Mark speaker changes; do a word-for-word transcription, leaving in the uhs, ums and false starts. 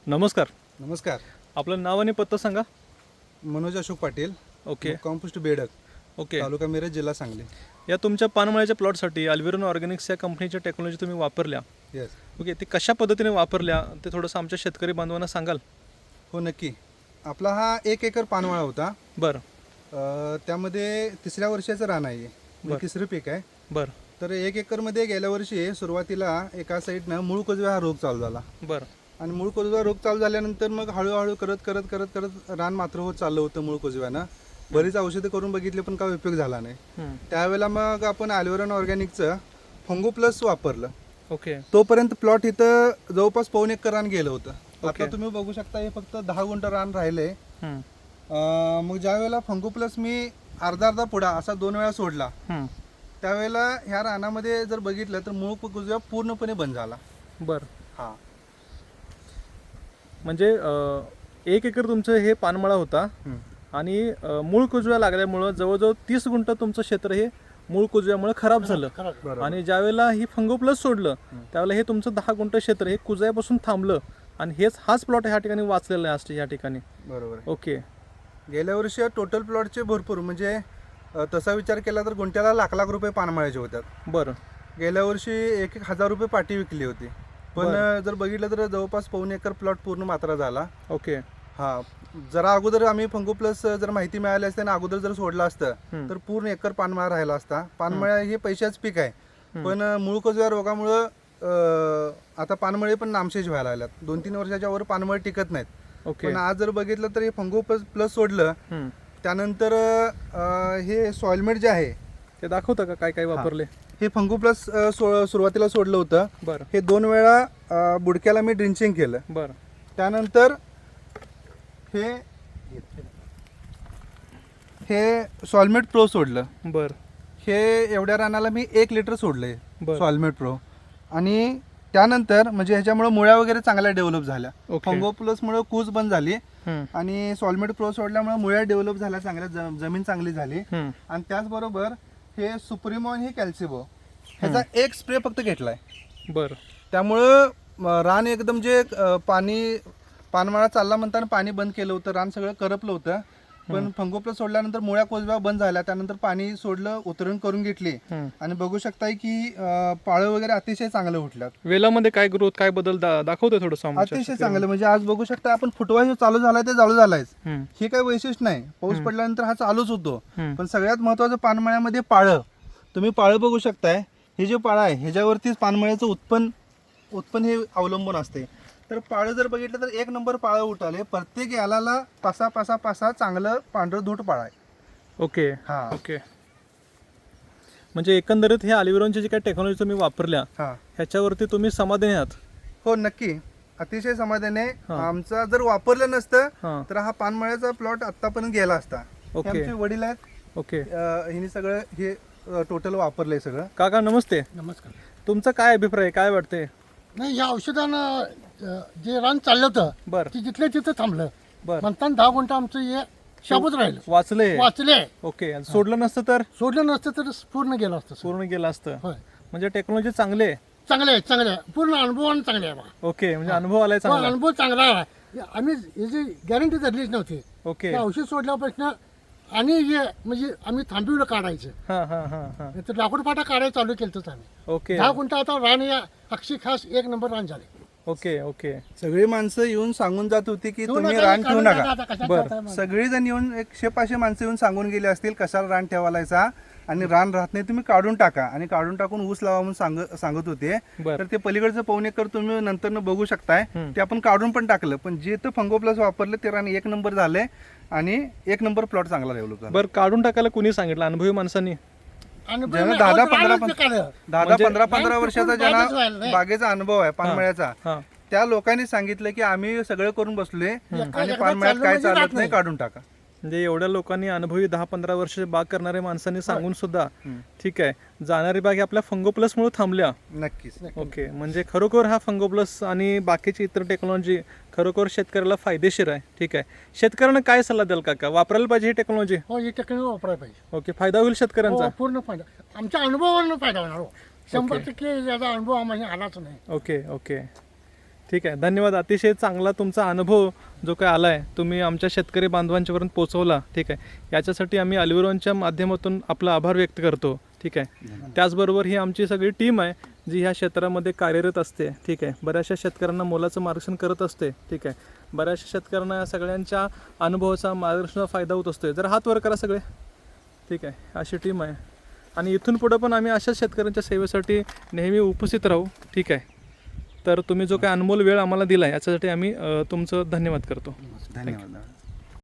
Speaker 1: नमस्कार.
Speaker 2: नमस्कार.
Speaker 1: आपलं नाव आणि पत्ता सांगा.
Speaker 2: मनोज अशोक पाटील.
Speaker 1: ओके.
Speaker 2: कॉम्पोस्ट बेडक.
Speaker 1: ओके.
Speaker 2: तालुका मिरज, जिल्हा सांगली.
Speaker 1: या तुमच्या पानमळ्याच्या प्लॉटसाठी अल्विरॉन ऑर्गॅनिक्स या कंपनीच्या टेक्नॉलॉजी तुम्ही वापरल्या.
Speaker 2: येस.
Speaker 1: ओके, ते कशा पद्धतीने वापरल्या ते थोडंसं आमच्या शेतकरी बांधवांना सांगाल.
Speaker 2: हो नक्की. आपला हा एक एकर पानमळा होता.
Speaker 1: बरं
Speaker 2: अ, त्यामध्ये तिसऱ्या वर्षाचं रान आहे. म्हणजे तिसरं पीक आहे.
Speaker 1: बरं
Speaker 2: तर एक एकरमध्ये गेल्या वर्षी सुरुवातीला एका साईडनं मूळ कोजव्या हा रोग चालू झाला.
Speaker 1: बरं
Speaker 2: आणि मूळ कोजव्या रोग चालू झाल्यानंतर मग हळूहळू करत करत करत करत रान मात्र होत चाललं होतं मूळ कोजव्यानं. बरीच औषधं करून बघितले पण काय उपयोग झाला नाही.
Speaker 1: हं.
Speaker 2: त्यावेळेला मग आपण अल्विरॉन ऑर्गॅनिकचं फंगो प्लस वापरलं.
Speaker 1: ओके.
Speaker 2: तोपर्यंत प्लॉट इथं जवळपास पाऊण एकर रान गेलं होतं.
Speaker 1: ओके.
Speaker 2: आता तुम्ही बघू शकता हे फक्त दहा गुंठ रान राहिले.
Speaker 1: हं.
Speaker 2: मग ज्या वेळेला फंगो प्लस मी अर्धा अर्धा पुडा असा दोन वेळा सोडला,
Speaker 1: हं.
Speaker 2: त्यावेळेला ह्या रानामध्ये जर बघितलं तर मूळ कुजव्या पूर्णपणे बंद झाला.
Speaker 1: बरं
Speaker 2: हा
Speaker 1: म्हणजे अं, एक एकर तुमचं हे पानमळा होता आणि अं, मूळ कुजव्या लागल्यामुळं जवळजवळ तीस गुंठ तुमचं क्षेत्र हे मूळ कुजव्यामुळे खराब झालं.
Speaker 2: बरोबर.
Speaker 1: आणि ज्या वेळेला ही फंगो प्लस सोडलं त्यावेळेला हे तुमचं दहा गुंठ क्षेत्र हे कुजव्यापासून थांबलं आणि हेच हाच प्लॉट ह्या ठिकाणी वाचलेला आहे आज ह्या ठिकाणी.
Speaker 2: बरोबर.
Speaker 1: ओके.
Speaker 2: गेल्या वर्षी टोटल प्लॉटचे भरपूर म्हणजे अ, तसा विचार केला तर गुंठ्याला लाख लाख रुपये पानमळ्याचे होतात.
Speaker 1: बरं
Speaker 2: गेल्या वर्षी एक एक हजार रुपये पाटी विकली होती. पण
Speaker 1: बरं.
Speaker 2: जर बघितलं तर जवळपास पाऊण एकर प्लॉट पूर्ण मात्रा झाला.
Speaker 1: ओके.
Speaker 2: हा जरा अगोदर आम्ही फंगो प्लस जर माहिती मिळाली असते आणि अगोदर जर सोडलं असतं
Speaker 1: हं.
Speaker 2: तर पूर्ण एकर पानमळा राहिला असता. पानमळा हे पैशाच पीक आहे.
Speaker 1: हं.
Speaker 2: पण मूळ कोजव्या रोगामुळं अं, आता पानमळे पण नामशेष व्हायला लागल्यात. दोन तीन वर्षाच्या वर पानमळे टिकत नाहीत.
Speaker 1: ओके.
Speaker 2: पण आज जर बघितलं तर हे फंगो प्लस प्लस सोडलं
Speaker 1: हं.
Speaker 2: त्यानंतर अं, हे सॉइलमेट जे आहे
Speaker 1: ते दाखवता का काय काय वापरले.
Speaker 2: हे फंगो प्लस अं, सो सुरुवातीला सोडलं होतं.
Speaker 1: बरं
Speaker 2: हे दोन वेळा अं, बुडक्याला मी ड्रिंचिंग केलं.
Speaker 1: बरं
Speaker 2: त्यानंतर हे हे सॉल्मेट प्रो सोडलं.
Speaker 1: बरं
Speaker 2: हे एवढ्या रानाला मी एक लिटर सोडलंय
Speaker 1: बरं.
Speaker 2: Solmate Pro. आणि त्यानंतर म्हणजे ह्याच्यामुळे मुळ्या वगैरे चांगल्या डेव्हलप झाल्या.
Speaker 1: ओके.
Speaker 2: फंगो प्लसमुळे कूज बंद झाली
Speaker 1: हं.
Speaker 2: आणि सॉल्मेट प्रो सोडल्यामुळे मुळ्या डेव्हलप झाल्या चांगल्या, ज- जमीन चांगली झाली.
Speaker 1: हं.
Speaker 2: आणि त्याचबरोबर हे सुप्रिमो आणि हे कॅल्सिबो ह्याचा एक स्प्रे फक्त घेतलाय.
Speaker 1: बरं
Speaker 2: त्यामुळं म, रान एकदम जे अ, पाणी पानमळा चालला म्हणताना पाणी बंद केलं होतं, रान सगळं करपलं होतं. पण फंगो प्लस सोडल्यानंतर मुळ्या कोजव्या बंद झाल्या. त्यानंतर पाणी सोडलं, उतरण करून घेतली
Speaker 1: हं.
Speaker 2: आणि बघू शकताय की अ, पाळं वगैरे अतिशय चांगलं उठल्यात.
Speaker 1: वेलामध्ये काय ग्रोथ काय बदल दा दाखवतोय थोडंसं आमच्या
Speaker 2: अतिशय चांगलं म्हणजे आज बघू शकता आपण फुटवा जो चालू झालाय ते चालू झालायच.
Speaker 1: हं.
Speaker 2: हे काही वैशिष्ट्य नाही. पाऊस पडल्यानंतर हा चालूच होतो.
Speaker 1: हं.
Speaker 2: पण सगळ्यात महत्वाचं पानमळ्यामध्ये पाळं. तुम्ही पाळं बघू शकताय. हे जे पाळं आहे ह्याच्यावरतीच पानमळ्याचं उत्पन्न उत्पन्न हे अवलंबून असते. तर पाळं जर बघितलं तर एक नंबर पाळं उठाले. प्रत्येक याला पासा पासा पासा चांगलं पांढरं धूट पाळं आहे.
Speaker 1: ओके.
Speaker 2: हा
Speaker 1: ओके. म्हणजे एकंदरीत हे अल्विरॉनची जी काही टेक्नॉलॉजी तुम्ही वापरल्या
Speaker 2: हा
Speaker 1: ह्याच्यावरती तुम्ही समाधानी आहात.
Speaker 2: हो नक्की. अतिशय समाधाने.
Speaker 1: हा.
Speaker 2: आमचा जर वापरलं नसतं
Speaker 1: हां.
Speaker 2: तर हा पानमळ्याचा प्लॉट आतापर्यंत गेला असता. हे
Speaker 1: ओके.
Speaker 2: आमचे वडील आहेत.
Speaker 1: ओके.
Speaker 2: अं, हिने सगळं हे टोटल वापरलंय सगळं.
Speaker 1: काका नमस्ते.
Speaker 3: नमस्कार.
Speaker 1: तुमचा काय अभिप्राय आहे? काय वाटतंय?
Speaker 3: नाही, या औषधानं अ, जे रान चाललं होतं
Speaker 1: बरं
Speaker 3: ते जिथल्या तिथं थांबलं.
Speaker 1: बरं.
Speaker 3: म्हणताना दहा गुंठ आमचं हे शाबूत राहिलं.
Speaker 1: वाचले.
Speaker 3: वाचले.
Speaker 1: ओके. आणि सोडलं नसतं तर
Speaker 3: सोडलं नसतं तर पूर्ण गेलं असतं सर.
Speaker 1: पूर्ण गेलं असतं.
Speaker 3: होय.
Speaker 1: म्हणजे टेक्नॉलॉजी चांगली आहे.
Speaker 3: चांगले आहे, चांगले आहे. पूर्ण अनुभवानं चांगले आहे बघा.
Speaker 1: ओके. म्हणजे अनुभव आलाय
Speaker 3: हो,
Speaker 1: चांगला.
Speaker 3: अनुभव चांगला आहे. आम्ही याची गॅरंटी धरलीच नव्हती.
Speaker 1: ओके.
Speaker 3: ते औषध सोडल्यापासून आणि हे म्हणजे आम्ही थांबविलं काढायचं.
Speaker 1: हां हां हां हां.
Speaker 3: नाही तर लाकूड फाटा काढायला चालू केलं आम्ही.
Speaker 1: ओके.
Speaker 3: दहा गुंठ आता रान या अक्षी खास एक नंबर रान झाले.
Speaker 1: ओके. ओके.
Speaker 2: सगळी माणसं येऊन सांगून जात होती की
Speaker 3: ठेवू
Speaker 2: तुम्ही
Speaker 3: नका,
Speaker 2: रान ठेवू
Speaker 3: काढून
Speaker 2: नका.
Speaker 3: टाका आता, कशात
Speaker 1: बरं.
Speaker 3: जाताय मग?
Speaker 2: सगळी जण येऊन एकशे पाचशे माणसं येऊन सांगून गेली असतील कशाला रान ठेवायचा आणि रान राहत नाही तुम्ही काढून टाका आणि काढून टाकून ऊस लावा म्हणून सांग सांगत होते.
Speaker 1: बरं.
Speaker 2: तर ते पलीकडचं पाऊण एकर तुम्ही नंतर बघू शकताय.
Speaker 1: हं.
Speaker 2: ते आपण काढून पण टाकलं. पण जे तर फंगो प्लस वापरलं ते रान एक नंबर झालंय आणि एक नंबर प्लॉट चांगला डेव्हलप झाला.
Speaker 1: बरं, काढून टाकायला कुणी सांगितलं? अनुभवी माणसांनी.
Speaker 3: आणि
Speaker 2: ज्यांना
Speaker 3: बरं,
Speaker 2: दहा दहा
Speaker 3: रानच
Speaker 2: पंधरा पण-
Speaker 3: निघालं.
Speaker 2: दहा दहा
Speaker 1: म्हणजे-
Speaker 2: पंधरा पंधरा
Speaker 3: रान
Speaker 2: वर्षाचा
Speaker 3: टिकून बागच व्हायला
Speaker 2: ज्यांना
Speaker 3: नाही.
Speaker 2: बागेचा अनुभव आहे पानमळ्याचा
Speaker 1: हां.
Speaker 2: त्या लोकांनी सांगितलं की आम्ही सगळं करून बसलोय आणि
Speaker 3: एकदा
Speaker 2: पानमळ्यात
Speaker 3: चाललं
Speaker 2: काय
Speaker 3: म्हणजे
Speaker 2: चालत
Speaker 3: राहत
Speaker 2: नाही
Speaker 3: नाही.
Speaker 2: काढून टाका.
Speaker 1: म्हणजे एवढ्या लोकांनी अनुभवी दहा पंधरा वर्ष बाग करणाऱ्या माणसांनी सांगून सुद्धा
Speaker 2: हं.
Speaker 1: ठीक आहे जाणारी बाग ही आपल्या फंगो प्लसमुळे थांबल्या.
Speaker 2: नक्कीच.
Speaker 1: ओके. म्हणजे खरोखर हा फंगो प्लस आणि बाकीची इतर टेक्नॉलॉजी खरोखर शेतकऱ्याला फायदेशीर आहे. ठीक आहे. शेतकऱ्यांना काय सल्ला द्याल काका? वापरायला पाहिजे ही टेक्नॉलॉजी?
Speaker 3: हो, ही टेक्नॉलॉजी वापरायला पाहिजे.
Speaker 1: ओके. फायदा होईल शेतकऱ्यांचा?
Speaker 3: हो, पूर्ण फायदा आमच्या अनुभवावरून फायदा होणार. हो, शंभर
Speaker 1: ओके.
Speaker 3: टक्के याचा अनुभव आम्हाला आलाच नाही.
Speaker 1: ओके. ओके. ठीक आहे, धन्यवाद. अतिशय चांगला तुमचा अनुभव जो काय आला आहे तुम्ही आमच्या शेतकरी बांधवांच्यापर्यंत पोहोचवला. ठीक आहे, याच्यासाठी आम्ही अल्विरोनच्या माध्यमातून आपला आभार व्यक्त करतो. ठीक आहे, त्याचबरोबर ही आमची सगळी टीम आहे जी ह्या क्षेत्रामध्ये कार्यरत असते. ठीक आहे, बऱ्याचशा शेतकऱ्यांना मोलाचं मार्गदर्शन करत असते. ठीक आहे, बऱ्याचशा शेतकऱ्यांना या सगळ्यांच्या अनुभवाचा मार्गदर्शनाचा फायदा होत असतो. जर हात वर करा सगळे. ठीक आहे, अशी टीम आहे आणि इथून पुढं पण आम्ही अशाच शेतकऱ्यांच्या सेवेसाठी नेहमी उपस्थित राहू. ठीक आहे, तर तुम्ही जो काही अनमोल वेळ आम्हाला दिला आहे याच्यासाठी आम्ही अ, तुमचं धन्यवाद करतो.
Speaker 2: धन्यवाद.